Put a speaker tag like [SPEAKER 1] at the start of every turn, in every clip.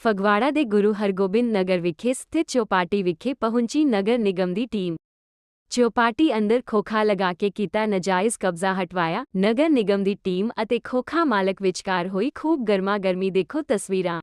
[SPEAKER 1] ਫਗਵਾੜਾ ਦੇ ਗੁਰੂ ਹਰਗੋਬਿੰਦ ਨਗਰ ਵਿਖੇ ਸਥਿਤ ਚੌਪਾਟੀ ਵਿਖੇ ਪਹੁੰਚੀ ਨਗਰ ਨਿਗਮ ਦੀ ਟੀਮ। ਚੌਪਾਟੀ ਅੰਦਰ ਖੋਖਾ ਲਗਾ ਕੇ ਕੀਤਾ ਨਾਜਾਇਜ਼ ਕਬਜ਼ਾ ਹਟਵਾਇਆ। ਨਗਰ ਨਿਗਮ ਦੀ ਟੀਮ ਅਤੇ ਖੋਖਾ ਮਾਲਕ ਵਿਚਕਾਰ ਹੋਈ ਖੂਬ ਗਰਮਾ ਗਰਮੀ। ਦੇਖੋ ਤਸਵੀਰਾਂ।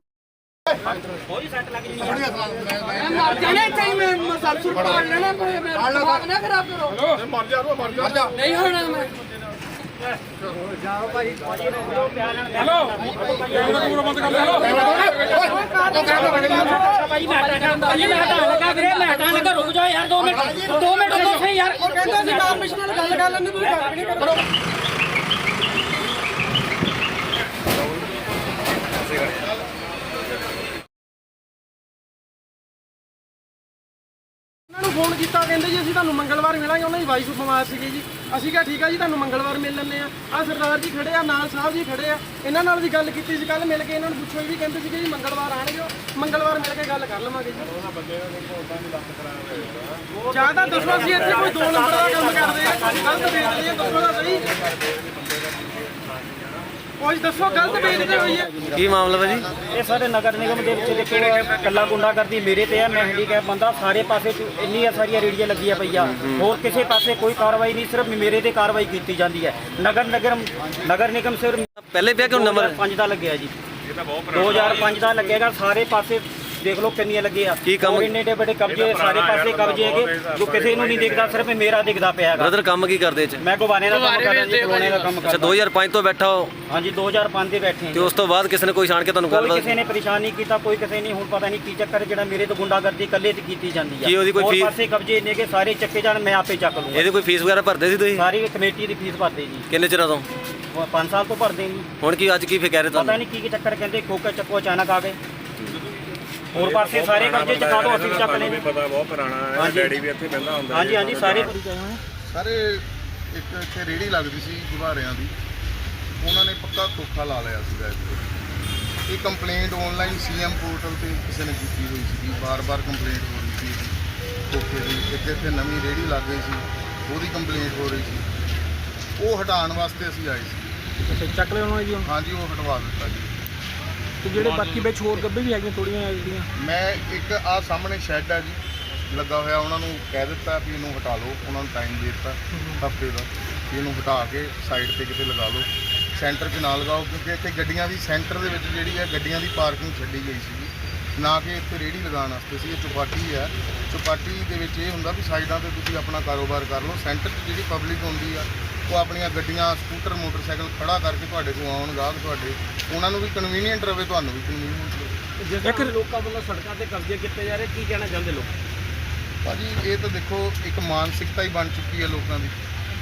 [SPEAKER 2] फोन किया कहते जी असं मंगलवार मिलेंगे। उन्होंने वाइफ बीमार सी जी। असी कहा ठीक है जी तुम मंगलवार मिल लें। आ सरदार जी खड़े आ, नाल साहब जी खड़े आ। इन्होंने भी गल की कल मिल के इन्होंने पूछो भी कहते जी मंगलवार आने मंगलवार मिल के गल कर लवेंगे जी। ज़्यादा दसो असं इतने कोई 2 नंबर का काम करते हैं, गलत बेचते हैं। दसो तो सही कुछ दसो गलत बेचते हुई है
[SPEAKER 3] की मामला भाजी?
[SPEAKER 4] ये सारे नगर निगम के देखो कला गुंडागर्दी मेरे ते है। मैं हैंडीकैप बंदा, सारे पासे इन्नी सारिया रेहड़ियां लगी पई आ। होर किसी पासे कोई कार्रवाई नहीं, सिर्फ मेरे ते कार्रवाई की जाती है। नगर निगम सिर्फ
[SPEAKER 3] पहले पे क्यों नंबर
[SPEAKER 4] 5 का लगे जी, 2005 का लगेगा। सारे पासे देख लो कितनी लगे इन्ने बड़े कब्जे, सारे पासे कब्जे है जो किसी नहीं दिखता, सिर्फ मेरा दिखता पाया।
[SPEAKER 3] ब्रदर काम की करते?
[SPEAKER 4] मैं गवाने का काम कर रहा जी, खिलौने का काम कर रहा।
[SPEAKER 3] 2005 तो बैठा हो?
[SPEAKER 4] हाँ जी 2005 से बैठे हैं।
[SPEAKER 3] तो उस तो बाद किसी ने कोई छाण के तुहानू
[SPEAKER 4] कोई
[SPEAKER 3] गल
[SPEAKER 4] किसी ने परेशान नहीं किया, कोई किसी ने हुण पता नहीं की चक्कर जेड़ा मेरे तो गुंडागर्दी कल्ले ते कीती जांदी है।
[SPEAKER 3] की ओदी कोई फीस
[SPEAKER 4] पासे कब्जे ने के सारे चक्के जाण मैं आपे चक लूंगा।
[SPEAKER 3] ਇਹਦੀ ਕੋਈ ਫੀਸ ਵਗੈਰਾ ਭਰਦੇ ਸੀ ਤੁਸੀਂ?
[SPEAKER 4] सारी कमेटी की फीस भरते जी।
[SPEAKER 3] ਕਿੰਨੇ ਚਿਰਾਂ ਤੋਂ?
[SPEAKER 4] 5 साल तो भरते जी।
[SPEAKER 3] ਹੁਣ ਕੀ ਅੱਜ ਕੀ ਫੇ ਕਹਿ ਰਹੇ
[SPEAKER 4] पता
[SPEAKER 3] ਤੁਹਾਨੂੰ?
[SPEAKER 4] नहीं की चक्कर कहते खोके चक्को अचानक आ गए। और पासे सारे कब्जे चका दो, असं चक लेंगे।
[SPEAKER 5] पता बहुत पुराना है, डैडी भी ਇੱਥੇ ਬੈਠਾ ਹੁੰਦਾ।
[SPEAKER 4] हाँ जी हाँ जी सारे
[SPEAKER 6] ਸਾਰੇ ਇੱਕ ਇੱਥੇ ਰੇੜੀ ਲੱਗਦੀ ਸੀ ਗੁਬਾਰਿਆਂ ਦੀ, ਉਹਨਾਂ ਨੇ ਪੱਕਾ ਖੋਖਾ ਲਾ ਲਿਆ ਸੀਗਾ ਇੱਥੇ। ਇਹ ਕੰਪਲੇਂਟ ਆਨਲਾਈਨ ਸੀਐਮ ਪੋਰਟਲ ਤੇ ਕਿਸੇ ਨੇ ਕੀਤੀ ਹੋਈ ਸੀ, ਬਾਰ-ਬਾਰ ਕੰਪਲੇਂਟ ਹੋ ਰਹੀ ਸੀ ਖੋਖੇ ਦੀ। ਇੱਕ ਇੱਥੇ ਨਵੀਂ ਰੇੜੀ ਲੱਗ ਗਈ ਸੀ, ਉਹਦੀ ਕੰਪਲੇਂਟ ਹੋ ਰਹੀ ਸੀ। ਉਹ ਹਟਾਉਣ ਵਾਸਤੇ ਅਸੀਂ ਆਏ ਸੀ।
[SPEAKER 2] ਚੱਕ ਲਿਆ ਉਹਨਾਂ ਜੀ।
[SPEAKER 6] ਹਾਂਜੀ ਉਹ ਹਟਵਾ ਦਿੱਤਾ ਜੀ।
[SPEAKER 2] ਤੇ ਜਿਹੜੇ ਬਾਕੀ ਵਿੱਚ ਹੋਰ ਗੱਬੇ ਵੀ ਹੈਗੀਆਂ ਥੋੜੀਆਂ ਜਿਹੜੀਆਂ।
[SPEAKER 6] ਮੈਂ ਇੱਕ ਆਹ ਸਾਹਮਣੇ ਸ਼ੈੱਡ ਹੈ ਜੀ ਲੱਗਾ ਹੋਇਆ, ਉਹਨਾਂ ਨੂੰ ਕਹਿ ਦਿੱਤਾ ਵੀ ਇਹਨੂੰ ਹਟਾ ਲਓ। ਉਹਨਾਂ ਨੂੰ ਟਾਈਮ ਦੇ ਦਿੱਤਾ ਹਫ਼ਤੇ ਦਾ ਵੀ ਇਹਨੂੰ ਹਟਾ ਕੇ ਸਾਈਡ ਤੇ ਕਿਤੇ ਲਗਾ ਲਓ, ਸੈਂਟਰ 'ਚ ਨਾ ਲਗਾਓ। ਕਿਉਂਕਿ ਇੱਥੇ ਗੱਡੀਆਂ ਦੀ ਸੈਂਟਰ ਦੇ ਵਿੱਚ ਜਿਹੜੀ ਹੈ ਗੱਡੀਆਂ ਦੀ ਪਾਰਕਿੰਗ ਛੱਡੀ ਗਈ ਸੀਗੀ, ਨਾ ਕਿ ਇੱਥੇ ਰੇਹੜੀ ਲਗਾਉਣ ਵਾਸਤੇ ਸੀ। ਇਹ ਚੌਪਾਟੀ ਹੈ, ਚੌਪਾਟੀ ਦੇ ਵਿੱਚ ਇਹ ਹੁੰਦਾ ਵੀ ਸਾਈਡਾਂ 'ਤੇ ਤੁਸੀਂ ਆਪਣਾ ਕਾਰੋਬਾਰ ਕਰ ਲਓ। ਸੈਂਟਰ 'ਚ ਜਿਹੜੀ ਪਬਲਿਕ ਹੁੰਦੀ ਆ ਉਹ ਆਪਣੀਆਂ ਗੱਡੀਆਂ, ਸਕੂਟਰ, ਮੋਟਰਸਾਈਕਲ ਖੜਾ ਕਰਕੇ ਤੁਹਾਡੇ ਕੋਲ ਆਉਣ, ਗਾਹਕ ਤੁਹਾਡੇ, ਉਹਨਾਂ ਨੂੰ ਵੀ ਕਨਵੀਨੀਅੰਟ ਰਵੇ, ਤੁਹਾਨੂੰ ਵੀ ਕਨਵੀਨੀਅੰਟ ਰਵੇ।
[SPEAKER 4] ਜਿਸ ਲੋਕਾਂ ਵੱਲੋਂ ਸੜਕਾਂ ਤੇ ਕਬਜ਼ੇ ਕੀਤੇ ਜਾ ਰਹੇ, ਕੀ ਕਹਿਣਾ ਚਾਹੁੰਦੇ ਲੋਕ?
[SPEAKER 6] ਭਾਜੀ ਇਹ ਤਾਂ ਦੇਖੋ ਇੱਕ ਮਾਨਸਿਕਤਾ ਹੀ ਬਣ ਚੁੱਕੀ ਹੈ ਲੋਕਾਂ ਦੀ।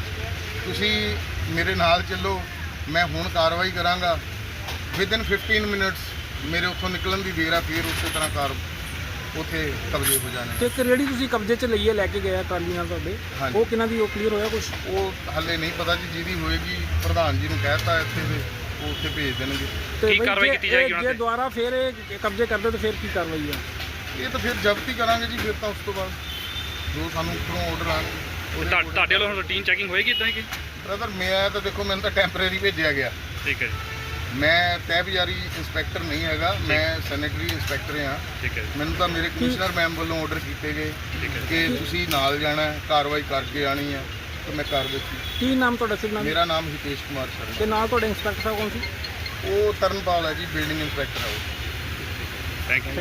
[SPEAKER 6] ਤੁਸੀਂ ਮੇਰੇ ਨਾਲ ਚੱਲੋ, ਮੈਂ ਹੁਣ ਕਾਰਵਾਈ ਕਰਾਂਗਾ। ਵਿਦਿਨ 15 ਮਿੰਟਸ ਮੇਰੇ ਉੱਥੋਂ ਨਿਕਲਣ ਦੀ ਦੇਰ ਆ, ਫਿਰ ਉਸੇ ਤਰ੍ਹਾਂ ਉੱਥੇ ਕਬਜ਼ੇ ਹੋ ਜਾਣੇ।
[SPEAKER 2] ਤੇ ਇੱਕ ਰੇੜੀ ਤੁਸੀਂ ਕਬਜ਼ੇ 'ਚ ਲਈਏ, ਲੈ ਕੇ ਗਿਆ ਟਰਾਲੀ ਨਾਲ ਤੁਹਾਡੇ,
[SPEAKER 6] ਹਾਂਜੀ।
[SPEAKER 2] ਉਹ ਕਿਹਨਾਂ ਦੀ? ਉਹ ਕਲੀਅਰ ਹੋਇਆ ਕੁਝ?
[SPEAKER 6] ਉਹ ਹਾਲੇ ਨਹੀਂ ਪਤਾ ਜੀ, ਜਿਹਦੀ ਹੋਏਗੀ ਪ੍ਰਧਾਨ ਜੀ ਨੂੰ ਕਹਿਤਾ ਇੱਥੇ ਦੇ, ਉਹ ਉੱਥੇ ਭੇਜ ਦੇਣਗੇ।
[SPEAKER 2] ਕੀ ਕਾਰਵਾਈ ਕੀਤੀ ਜਾਏਗੀ ਉਹਨਾਂ ਤੇ? ਜੇ ਦੁਬਾਰਾ ਫਿਰ ਇਹ ਕਬਜ਼ੇ ਕਰਦੇ ਤਾਂ ਫਿਰ ਕੀ ਕਾਰਵਾਈ ਆ?
[SPEAKER 6] ਇਹ ਤਾਂ ਫਿਰ ਜ਼ਬਤ ਹੀ ਕਰਾਂਗੇ ਜੀ। ਫਿਰ ਤਾਂ ਉਸ ਤੋਂ ਬਾਅਦ ਜੋ ਸਾਨੂੰ ਉੱਪਰੋਂ ਆਰਡਰ ਆਉਣਗੇ।
[SPEAKER 5] ਤੁਹਾਡੇ ਵੱਲੋਂ ਰੂਟੀਨ ਚੈਕਿੰਗ ਹੋਏਗੀ ਇਦਾਂ ਕਿ?
[SPEAKER 6] ਬ੍ਰਦਰ ਮੈਂ ਤਾਂ ਦੇਖੋ, ਮੈਨੂੰ ਤਾਂ ਟੈਂਪਰੇਰੀ ਭੇਜਿਆ ਗਿਆ।
[SPEAKER 5] ਠੀਕ ਹੈ ਜੀ।
[SPEAKER 6] ਮੈਂ ਤਹਿਬਜ਼ਾਰੀ ਇੰਸਪੈਕਟਰ ਨਹੀਂ ਹੈਗਾ, ਮੈਂ ਸੈਨੇਟਰੀ ਇੰਸਪੈਕਟਰ ਹਾਂ।
[SPEAKER 5] ਠੀਕ ਹੈ।
[SPEAKER 6] ਮੈਨੂੰ ਤਾਂ ਮੇਰੇ ਕਮਿਸ਼ਨਰ ਮੈਮ ਵੱਲੋਂ ਆਰਡਰ ਕੀਤੇ ਗਏ ਕਿ ਤੁਸੀਂ ਨਾਲ ਜਾਣਾ ਹੈ, ਕਾਰਵਾਈ ਕਰਕੇ ਆਣੀ ਹੈ, ਤਾਂ ਮੈਂ ਕਰ ਦਿੱਤੀ।
[SPEAKER 2] ਕੀ ਨਾਮ ਤੁਹਾਡਾ? ਸਿਰ ਨਾਮ?
[SPEAKER 6] ਮੇਰਾ ਨਾਮ ਹਿਤੇਸ਼ ਕੁਮਾਰ
[SPEAKER 2] ਤੇ
[SPEAKER 6] ਸ਼ਰਮਾ।
[SPEAKER 2] ਨਾਲ ਤੁਹਾਡੇ ਇੰਸਪੈਕਟਰ ਸਾਹਿਬ ਕੌਣ ਸੀ?
[SPEAKER 6] ਉਹ ਤਰਨਪਾਲ ਹੈ ਜੀ, ਬਿਲਡਿੰਗ ਇੰਸਪੈਕਟਰ ਹੈ ਉਹ।
[SPEAKER 5] Thank you.